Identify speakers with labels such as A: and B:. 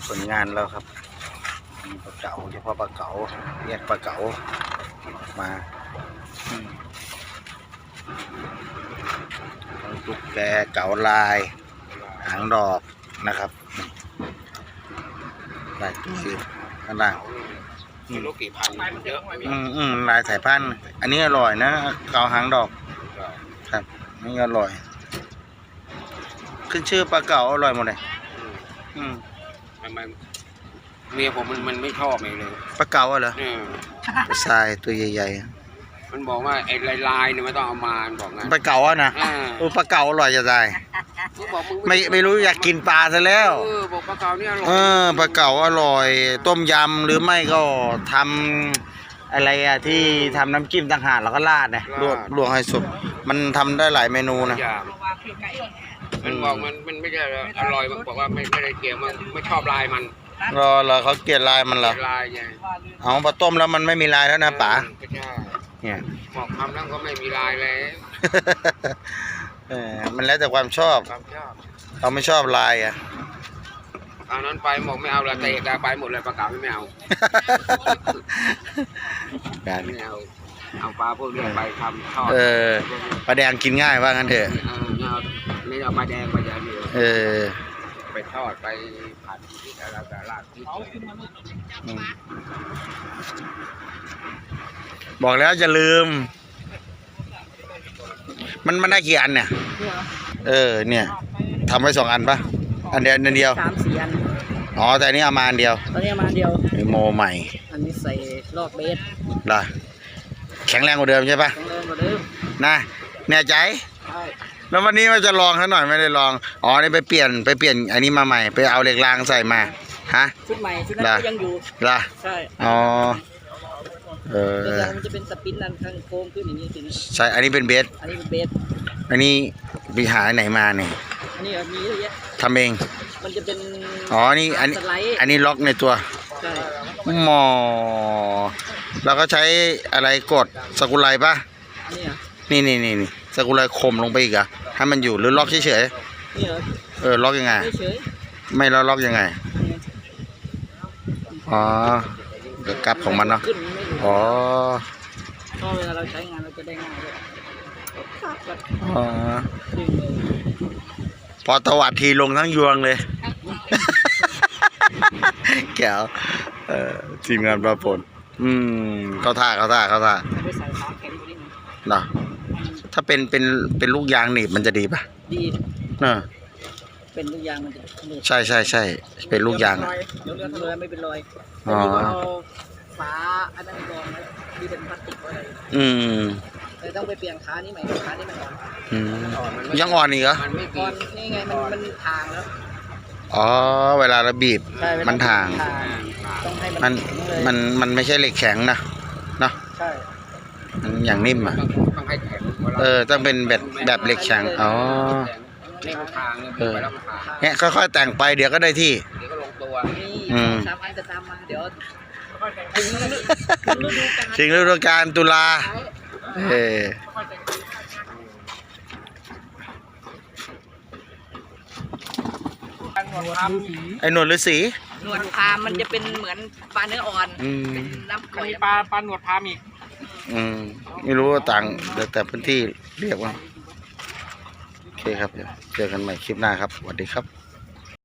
A: ผลงานแล้วครับมีปลาเก๋าเฉพาะปลาเก๋าแยกปลาเก๋ามาตุ๊กแกเก๋าลายหางดอกนะครับลายตัวข้างล่าง
B: ไม่รู้กี่พันมันเยอะ
A: ลายสายพันธุ์อันนี้อร่อยนะเก๋าหางดอกครับนี่อร่อยขึ้นชื่อปลาเก๋าอร่อยหมดเลย
B: มันเมียผมมันไม่ชอบเลย
A: ปลาเก๋าเหรอทรายตัวใหญ่
B: ๆมันบอกว่าไอ้ลายเนี่ยไม่ต้องเอามาบอกงั้น
A: ปลาเก๋านะปลาเก๋าอร่อยจะตายไม่รู้อยากกินปลาซะแล้ว
B: บอกปลาเก๋าเนี่ยอร่อย
A: ปลาเก๋าอร่อยต้มยำหรือไม่ก็ทำอะไรอะที่ทำน้ำจิ้มต่างหากแล้วก็ราดเนี่ยลวกให้สุกมันทำได้หลายเมนูนะ
B: มันบอกมันไม่ใช่อร่อยมันบอกว่าไม่ได้เกี่ยวมันไม่ชอบลายมัน
A: เหรอเขาเกลียดลายมันเหรอ
B: ลายไง
A: เอาพอต้มแล้วมันไม่มีลายแล้วนะป๋า
B: เนี่ยบอกทำแล้วก็ไม่มีลายเลย
A: มันแล้วแต่ความชอบเราไม่ชอบลายอ่ะ
B: ตอนนั้นไปบอกไม่เอาละเตะไปหมดเลยปลาเก๋าไม่เอาไม่เอาปลาพวกนี้ไปทำทอด
A: ปลาแดงกินง่ายว่างั้นเถอะ
B: ไม่เอาปลาแดงปลาแดงเดียวไปทอดไปผัดที่อะไรแต่ลาดที่
A: บอกแล้วจะลืมมันได้กี่อันเนี่ยเนี่ยทำไว้2 อันปะอันเดียว3-4
C: อัน
A: อ๋อแต่อันนี้เอามาอันเดียว
C: ตอนนี้มาอันเดียว
A: โมใหม่
C: อันนี้ใส่ลอกเบส
A: ล่ะแข็งแรงกว่าเดิมใช่ปะ
C: แข็งแรงกว่าเดิม
A: นะแน่ใจ
C: ใช่
A: แล้ววันนี้มันจะลองซะหน่อยไม่ได้ลองอ๋อนี่ไปเปลี่ยนอันนี้มาใหม่ไปเอาเหล็กรางใส่มาฮะ
C: ชุดใหม่ชุดนั้นก็ยังอยู่
A: ล่ะ
C: ใช่
A: อ๋อ
C: มันจะเป็นสปินนั่นข้างโค้งขึ้นอย่างนี้ทีนี้
A: ใช่อันนี้เป็นเบส
C: อันนี้เป็นเบส
A: อันนี้ไปหาไหนมาเนี่ย
C: อันนี้มีเยอะแยะ
A: ทำเอง
C: มันจะเป็น
A: อ๋อนี่อันนี้ล็อกในตัว
C: ใช่
A: หมอแล้วก็ใช้อะไรกดสกุลไลปะนี่สกุลไลคมลงไปอีกอะให้มันอยู่หรือล็อกเฉย
C: ๆนี่เหรอ
A: ล็อกยังไงไม่ล็อกยังไงอ๋อเดี๋ยวกลับของมันเนาะอ๋อ
C: ก็เวลาเราใช้งานเราจะได้ง่ายด้วย
A: พอตวัดทีลงทั้งยวงเลยแก้วทีมงานปลาปนเข้าท่าเนาะถ้าเป็นลูกยางหนีบมันจะดีป่ะ
C: ดีเป็นลูกยางมันจะ
A: ใช่เป็นลูกยาง
C: เดี๋ยวเรือไม่เป็นรอยเอาฝาอันนั้นกองที่เป็นพลาสติกอะไรแต่ต้องไปเปลี่ยนขานี้ใหม่ขานี้มันอ่อน
A: ยังอ่อนอีกเหรอ
C: อ่อนนี่ไงมันทางแล้ว
A: อ๋อเวลาเราบีบมันทางมันไม่ใช่เหล็กแข็งนะเนาะ
C: ใช่
A: มันอย่างนิ่มอ่ะต้องเป็นแบบเหล็กแข็งอ๋อเนี่ยค่อยๆแต่งไปเดี๋ยวก็ได้ที่
C: เดี๋ยวก็ลงตัว3 อันจะตามมาเดี๋ยว
A: ถึงฤดูกาลตุลาไอ้หนวดฤาษี
C: หนวดพามมันจะเป็นเหมือนปลาเนื้ออ่อนเป็นน้ำ
B: มีปลาหนวดพามอีก
A: ไม่รู้ว่าต่างแต่พื้นที่เรียกว่าโอเคครับเจอกันใหม่คลิปหน้าครับสวัสดีครับ